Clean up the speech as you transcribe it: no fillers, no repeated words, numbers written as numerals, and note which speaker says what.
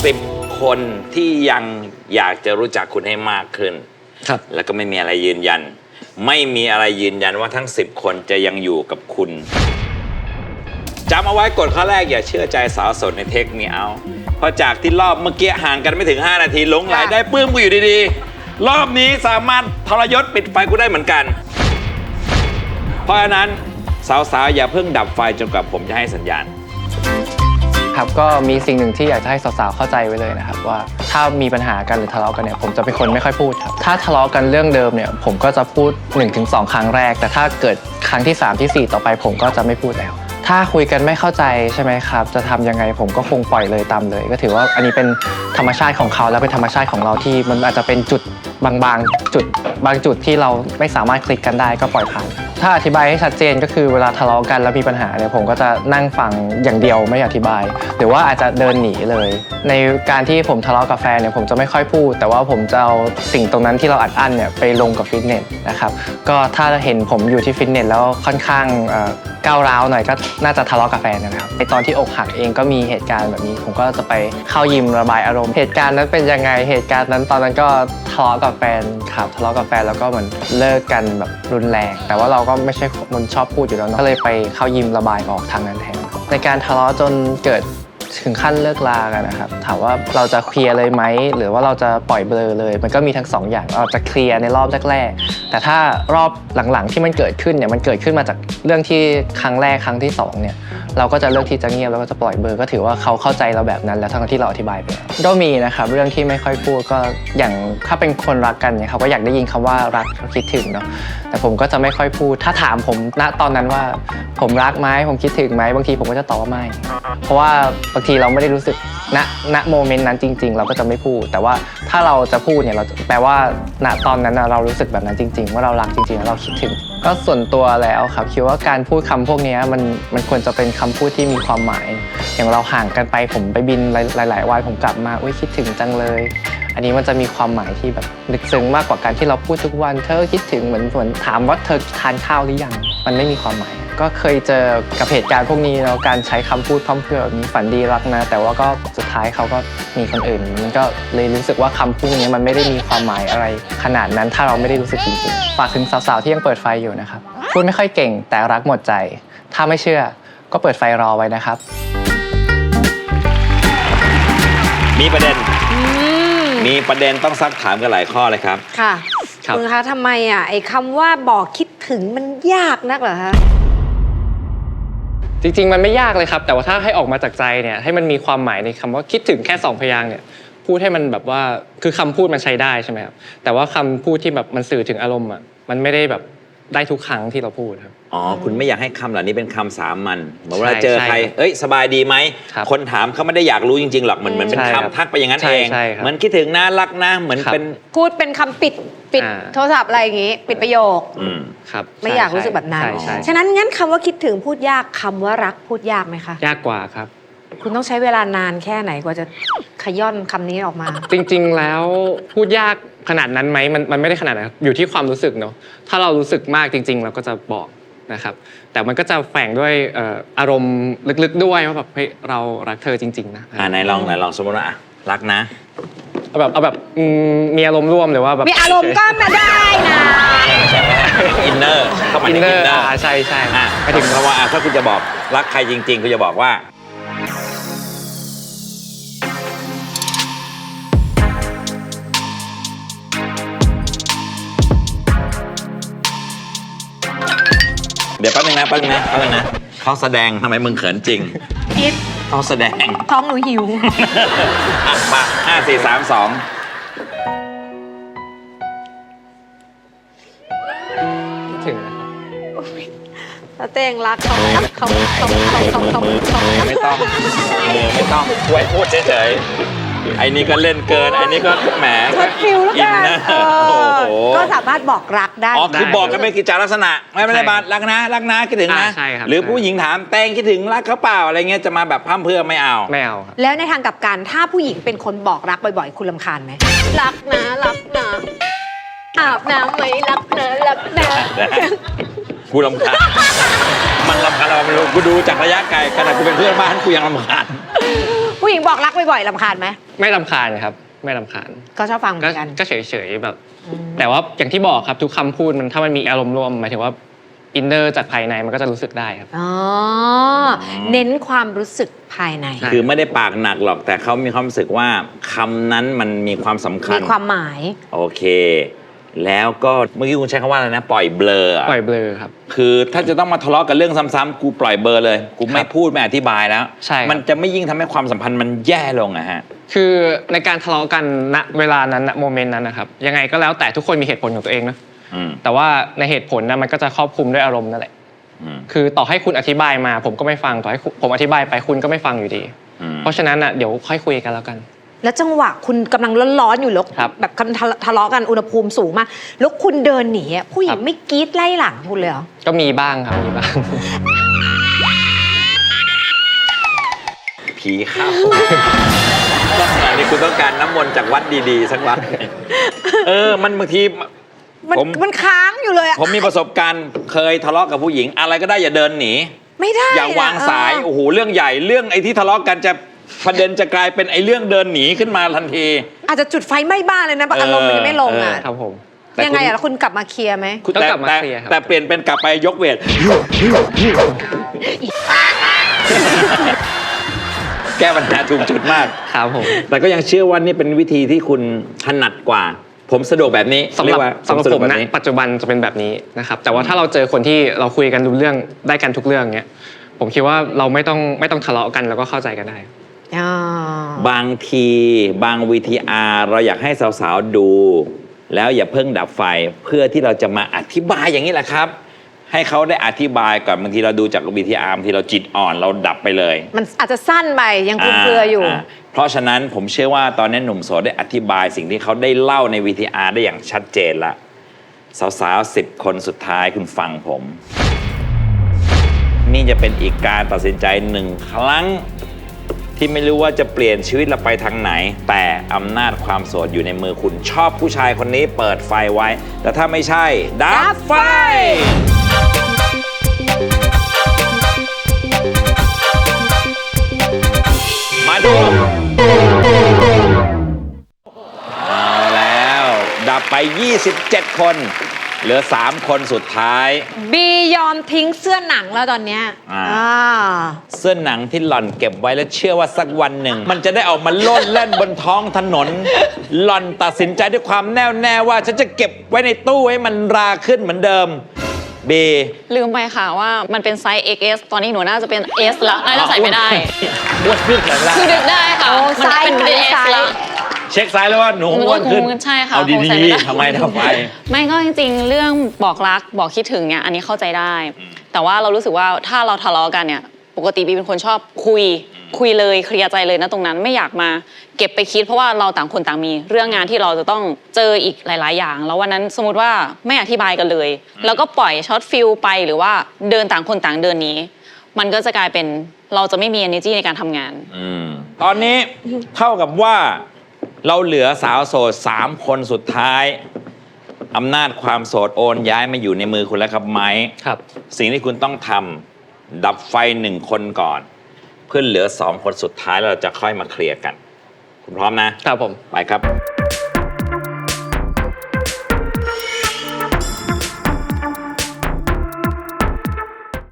Speaker 1: 10 คนที่ยังอยากจะรู้จักคุณให้มากขึ้น
Speaker 2: ครับ
Speaker 1: แล้วก็ไม่มีอะไรยืนยันไม่มีอะไรยืนยันว่าทั้ง10 คนจะยังอยู่กับคุณจำเอาไว้กฎข้อแรกอย่าเชื่อใจสาวโสดในเทคมีเอาเพราะจากที่รอบเมื่อกี้ห่างกันไม่ถึง5 นาทีหลงไหลได้ปื้มกูอยู่ดีๆรอบนี้สามารถทรยศปิดไฟกูได้เหมือนกันเพราะฉะนั้นสาวๆอย่าเพิ่งดับไฟจนกว่าผมจะให้สัญญาณ
Speaker 2: ครับก็มีสิ่งหนึ่งที่อยากจะให้สาวๆเข้าใจไว้เลยนะครับว่าถ้ามีปัญหากันหรือทะเลาะกันเนี่ยผมจะเป็นคนไม่ค่อยพูดครับถ้าทะเลาะกันเรื่องเดิมเนี่ยผมก็จะพูด 1-2 ครั้งแรกแต่ถ้าเกิดครั้งที่3ที่4ต่อไปผมก็จะไม่พูดแล้วถ้าคุยกันไม่เข้าใจใช่ไหมครับจะทำยังไงผมก็คงปล่อยเลยตามเลยก็ถือว่าอันนี้เป็นธรรมชาติของเขาและเป็นธรรมชาติของเราที่มันอาจจะเป็นจุดบางจุดที่เราไม่สามารถคลิกกันได้ก็ปล่อยผ่านถ้าอธิบายให้ชัดเจนก็คือเวลาทะเลาะกันแล้วมีปัญหาเนี่ยผมก็จะนั่งฟังอย่างเดียวไม่อธิบายหรือว่าอาจจะเดินหนีเลยในการที่ผมทะเลาะกับแฟนเนี่ยผมจะไม่ค่อยพูดแต่ว่าผมจะเอาสิ่งตรงนั้นที่เราอัดอั้นเนี่ยไปลงกับฟิตเนสนะครับก็ถ้าเห็นผมอยู่ที่ฟิตเนสแล้วค่อนข้างก้าวร้าวหน่อยก็น่าจะทะเลาะกับแฟนนะครับในตอนที่อกหักเองก็มีเหตุการณ์แบบนี้ผมก็จะไปเข้ายิมระบายอารมณ์เหตุการณ์นั้นเป็นยังไงเหตุการณ์นั้นตอนนั้นก็ทะเลาะกับแฟนครับทะเลาะกับแฟนแล้วก็เหมือนเลิกกันแบบรุนแรงแต่ว่าเราก็ไม่ใช่คนชอบพูดอยู่แล้วก็เลยไปเข้ายิมระบายออกทางนั้นแทนในการทะเลาะจนเกิดถึงขั้นเลิกลากันนะครับถามว่าเราจะเคลียร์เลยไหมหรือว่าเราจะปล่อยเบลอเลยมันก็มีทั้ง2 อย่างเราจะเคลียร์ในรอบแรกๆแต่ถ้ารอบหลังๆที่มันเกิดขึ้นเนี่ยมันเกิดขึ้นมาจากเรื่องที่ครั้งแรกครั้งที่2เนี่ยเราก็จะเลือกที่จะเงียบแล้วก็จะปล่อยเบลอก็ถือว่าเขาเข้าใจเราแบบนั้นแล้วทั้งที่เราอธิบายไปก็มีนะครับเรื่องที่ไม่ค่อยพูดก็อย่างถ้าเป็นคนรักกันเนี่ยเขาก็อยากได้ยินคำว่ารักคิดถึงเนาะแต่ผมก็จะไม่ค่อยพูดถ้าถามผมณตอนนั้นว่าผมรักไหมผมคิดถึงไหมบางทีผมก็จะตอบว่าไม่เพราะว่าบางทีเราไม่ได้รู้สึกณโมเมนต์นั้นจริงๆเราก็จะไม่พูดแต่ว่าถ้าเราจะพูดเนี่ยเราแปลว่าณตอนนั้นเรารู้สึกแบบนั้นจริงๆว่าเรารักจริงๆแล้วเราคิดถึงก็ส่วนตัวแล้วครับคิดว่าการพูดคำพวกนี้มันควรจะเป็นคำพูดที่มีความหมายอย่างเราห่างกันไปผมไปบินหลายๆวันผมกลับมาอุ้ยคิดถึงจังเลยอันนี้มันจะมีความหมายที่แบบลึกซึ้งมากกว่าการที่เราพูดทุกวันเธอคิดถึงเหมือนถามว่าเธอทานข้าวหรือยังมันไม่มีความหมายก็เคยเจอกับเหตุการณ์พวกนี้แล้วการใช้คำพูดพร่ำเพรื่อแบบนี้ฝันดีรักนะแต่ว่าก็สุดท้ายเขาก็มีคนอื่นมันก็เลยรู้สึกว่าคำพูดนี้มันไม่ได้มีความหมายอะไรขนาดนั้นถ้าเราไม่ได้รู้สึกจริงๆฝากถึงสาวๆที่ยังเปิดไฟอยู่นะครับพูดไม่ค่อยเก่งแต่รักหมดใจถ้าไม่เชื่อก็เปิดไฟรอไว้นะครับ
Speaker 1: มีประเด็นต้องซักถามกันหลายข้อเลยครับ
Speaker 3: ค่ะคุณคะทำไมไอ้คำว่าบอกคิดถึงมันยากนักเหรอคะ
Speaker 2: จริงๆมันไม่ยากเลยครับแต่ว่าถ้าให้ออกมาจากใจเนี่ยให้มันมีความหมายในคำว่าคิดถึงแค่2 พยางค์เนี่ยพูดให้มันแบบว่าคือคำพูดมันใช้ได้ใช่ไหมครับแต่ว่าคำพูดที่แบบมันสื่อถึงอารมณ์มันไม่ได้แบบได้ทุกครั้งที่เราพูดครับ
Speaker 1: อ๋อคุณไม่อยากให้คำเหล่านี้เป็นคำสามัญเหมือนเวลาเจอใครเอ้ยสบายดีไหมคนถามเขาไม่ได้อยากรู้จริงๆหรอกเหมือนเป็นคำทักไปอย่างนั้นเองเหมือนคิดถึงนะรักนะเหมือนเป็น
Speaker 3: พูดเป็นคำปิดโทรศัพท์อะไรอย่างงี้ปิดประโยค
Speaker 2: ครับ
Speaker 3: ไม่อยากรู้สึกแบบนั้นฉะนั้นงั้นคำว่าคิดถึงพูดยากคำว่ารักพูดยากไหมคะ
Speaker 2: ยากกว่าครับ
Speaker 3: คุณต้องใช้เวลานานแค่ไหนกว่าจะขย่อนคำนี้ออกมา
Speaker 2: จริงๆแล้วพูดยากขนาดนั้นไหมมันไม่ได้ขนาดนั้นอยู่ที่ความรู้สึกเนาะถ้าเรารู้สึกมากจริงๆเราก็จะบอกนะครับแต่มันก็จะแฝงด้วยอารมณ์ลึกๆด้วยว่าแบบเฮ้ยเรารักเธอจริงๆนะ
Speaker 1: ไหนลองสมมติว่ารักนะ
Speaker 2: เอาแบบมีอารมณ์ร่วมหรือว่าแบบ
Speaker 3: มีอารมณ์ก็มาได้นะ
Speaker 1: อินเนอร์เข้ามาในอินเนอร์
Speaker 2: ใช่
Speaker 1: ไปถึงเพราะว่าถ้าคุณจะบอกรักใครจริงๆคุณจะบอกว่าเดี๋ยวแป๊บนึงนะเขาแสดงทำไมมึงเขินจริง
Speaker 3: คิด
Speaker 1: เขาแสดง
Speaker 3: ท้องหนูหิว
Speaker 1: มา5 4 3 2
Speaker 2: คิดถึงนะครับ
Speaker 3: แล้วเต้งรักเขา
Speaker 1: ไม่ต้องไว้พูดเฉยไอ้นี่ก็เล่นเกินไอ้นี่ก็แหม
Speaker 3: อินนะก็สามารถบอกรักได้
Speaker 1: อ๋อคือบอกกันเป็นกิจลักษณะไม่ได้บารักนะคิดถึงนะหรือผู้หญิงถามแตงคิดถึงรักเขาเปล่าอะไรเงี้ยจะมาแบบพร่ำเพรื่อไม่เอา
Speaker 3: แล้วในทางกลับกันถ้าผู้หญิงเป็นคนบอกรักบ่อยๆคุณรำคาญไหมรักนะอาบน้ำไหมรักนะ
Speaker 1: กูรำคาญมันรำคาญเราไม่รู้กูดูจากระยะไกลขนาดกูเป็นเพื่อนบ้านกูยังรำคาญ
Speaker 3: ผู้หญิงบอกรักบ่อยๆรำคาญไหม
Speaker 2: ไม่รำคาญครับไม่รำคาญ
Speaker 3: ก็ชอบฟังเหมื
Speaker 2: ก็
Speaker 3: อนกัน
Speaker 2: ก็เฉยๆแบบ แต่ว่าอย่างที่บอกครับทุกคำพูดมันถ้ามันมีอารมณ์ร่วมหมายถึงว่าอินเนอร์จากภายในมันก็จะรู้สึกได้ครับ
Speaker 3: อ๋อ เน้นความรู้สึกภายใน
Speaker 2: ใช่
Speaker 1: คือไม่ได้ปากหนักหรอกแต่เขามีความรู้สึกว่าคำนั้นมันมีความสำคัญ
Speaker 3: มีความหมาย
Speaker 1: โอเค แล้วก็เมื่อกี้คุณใช้คำว่าอะไรนะ ปล่อยเบลออะ
Speaker 2: ปล่อยเบลอครับ
Speaker 1: คือถ้าจะต้องมาทะเลาะกันเรื่องซ้ำๆกูปล่อยเบลอเลย กูไม่พูดไม่อธิบายแล้ว
Speaker 2: ใช่ครับ
Speaker 1: มันจะไม่ยิ่งทำให้ความสัมพันธ์มันแย่ลงอะฮะ
Speaker 2: คือในการทะเลาะกันณเวลานั้นณโมเมนต์นั้นนะครับยังไงก็แล้วแต่ทุกคนมีเหตุผลของตัวเองนะ
Speaker 1: อืม
Speaker 2: แต่ว่าในเหตุผลนะมันก็จะครอบคลุมด้วยอารมณ์นั่นแหละ
Speaker 1: อืม
Speaker 2: คือต่อให้คุณอธิบายมา ผมก็ไม่ฟังต่อให้ผมอธิบายไปคุณก็ไม่ฟังอยู่ดี
Speaker 1: อืม
Speaker 2: เพราะฉะนั้นอ่ะเดี๋ยวค่อยคุยกันแล้วกัน
Speaker 3: แล้วจังหวะคุณกำลังร้อนๆอยู่แล้ว
Speaker 2: ครับ
Speaker 3: แบบกำลังทะเลาะกันอุณหภูมิสูงมากแล้วคุณเดินหนีอะผู้หญิ
Speaker 2: ค
Speaker 3: ง
Speaker 2: รับ
Speaker 3: ไม่กรี๊ดไล่หลังคุณเลยเหรอ
Speaker 2: ก็มีบ้างครับมีบ้าง
Speaker 1: ผีเข้าลักษณะนี้คุณต้องการน้ำมนต์จากวัดดีๆ สักวัดหนึ่งมันบางที
Speaker 3: มันค้างอยู่เลยอะ
Speaker 1: ผมมีประสบการณ์เคยทะเลาะกับผู้หญิง อะไรก็ได้อย่าเดินหนี
Speaker 3: ไม่ได้
Speaker 1: อย่าวางสาย
Speaker 3: เออ
Speaker 1: โอ้โหเรื่องใหญ่เรื่องไอ้ที่ทะเลาะกันจะประเด็นจะกลายเป็นไอ้เรื่องเดินหนีขึ้นมาทันที
Speaker 3: อาจจะจุดไฟไหม้บ้านเลยนะอารมณ์มันยังไม่ลงอ่ะ
Speaker 2: ครับผม
Speaker 1: แต่
Speaker 3: ยังไงอะแล้วคุณกลับมาเคลียร์ไหม
Speaker 1: คุณ
Speaker 2: ต้อง
Speaker 1: แต่
Speaker 2: กลับมา
Speaker 1: แต่
Speaker 2: เคลียร์ครับ
Speaker 1: แต่เปลี่ยนเป็นกลับไปยกเวท แก้ปัญหาถูกจุดมาก
Speaker 2: ครับผม
Speaker 1: แต่ก็ยังเชื่อว่านี่เป็นวิธีที่คุณถนัดกว่า ผมสะดวกแบบนี้
Speaker 2: สำห
Speaker 1: เรี
Speaker 2: รั
Speaker 1: ย
Speaker 2: บ
Speaker 1: กว่า
Speaker 2: สำหรับ
Speaker 1: สะด
Speaker 2: ผ
Speaker 1: วก
Speaker 2: ม
Speaker 1: แบบ
Speaker 2: นะ
Speaker 1: นี้
Speaker 2: ปัจจุบันจะเป็นแบบนี้นะครับแต่ว่าถ้าเราเจอคนที่เราคุยกันรู้เรื่องได้กันทุกเรื่องเนี้ยผมคิดว่าเราไม่ต้องทะเลาะกันแล้วก็เข้าใจกันได้
Speaker 3: อ๋อ
Speaker 1: บางทีบาง VTR เราอยากให้สาวๆดู แล้วอย่าเพิ่งดับไฟเพื่อที่เราจะมาอธิบายอย่างนี้แหละครับ ให้เขาได้อธิบายก่อนบางทีเราดูจาก VTR บางทีเราจิตอ่อนเราดับไปเลย
Speaker 3: มันอาจจะสั้นไปยังคลุมเครืออยู่
Speaker 1: เพราะฉะนั้นผมเชื่อว่าตอนนี้หนุ่มโสดได้อธิบายสิ่งที่เขาได้เล่าใน VTR ได้อย่างชัดเจนละสาวๆ10 คนสุดท้ายคุณฟังผม นี่จะเป็นอีกการตัดสินใจหนึ่งครั้ง ที่ไม่รู้ว่าจะเปลี่ยนชีวิตเราไปทางไหน แต่อำนาจความโสดอยู่ในมือคุณชอบผู้ชายคนนี้เปิดไฟไว้ แต่ถ้าไม่ใช่ดับไฟ มาดู เอาแล้ว ดับไป 27 คน เหลือ 3 คนสุดท้าย
Speaker 3: บียอมทิ้งเสื้อหนังแล้วตอนเนี้ย
Speaker 1: อ่า
Speaker 3: อ่า
Speaker 1: เสื้อหนังที่หล่อนเก็บไว้แล้วเชื่อว่าสักวันหนึ่ง มันจะได้ออกมาโลดแล่นบนท้องถนน หล่อนตัดสินใจด้วยความแน่วแน่ว่าฉันจะเก็บไว้ในตู้ให้มันราขึ้นเหมือนเดิมเบ
Speaker 4: ลืมไปค่ะว่ามันเป็นไซส์ XS ตอนนี้หนูน่าจะเป็น S แล้วน่าจะใส่ไม่ได้
Speaker 1: อ้วนขึ้นแล้วล่ะ
Speaker 4: คือดึกได้ค่ะ
Speaker 3: โอ้
Speaker 4: มันเป็น
Speaker 3: ไซส์
Speaker 4: S
Speaker 3: ไซส์
Speaker 4: แล้ว
Speaker 1: เช็คซ้ายแล้วว่าหนูอ้วนขึ้น
Speaker 4: ใช่ค่ะ
Speaker 1: เอา
Speaker 4: คงใส่
Speaker 1: ดี
Speaker 4: ไม่ได้
Speaker 1: ๆทำไมทำไม
Speaker 4: ไม่ก็จริงๆ เรื่องบอกรักบอกคิดถึงเนี่ยอันนี้เข้าใจได้ แต่ว่าเรารู้สึกว่าถ้าเราทะเลาะกันเนี่ยปกติบีเป็นคนชอบคุยเลยเคลียร์ใจเลยนะตรงนั้นไม่อยากมาเก็บไปคิดเพราะว่าเราต่างคนต่างมีเรื่องงานที่เราจะต้องเจออีกหลาย ๆ อย่าง แล้ววันนั้นสมมติว่าไม่อธิบายกันเลย แล้วก็ปล่อยช็อตฟิลไปหรือว่าเดินต่างคนต่างเดินหนี้มันก็จะกลายเป็นเราจะไม่มี energy ในการทำงาน
Speaker 1: ตอนนี้เท่ากับว่าเราเหลือสาวโสด 3 คนสุดท้ายอำนาจความโสดโอนย้ายมาอยู่ในมือคุณแล้วครับไม้
Speaker 2: ครับ
Speaker 1: สิ่งที่คุณต้องทำดับไฟ1 คนก่อน เพื่อเหลือ 2 คนสุดท้ายแล้วเราจะค่อยมาเคลียร์กัน คุณพร้อมนะ
Speaker 2: ครับผม
Speaker 1: ไปครับ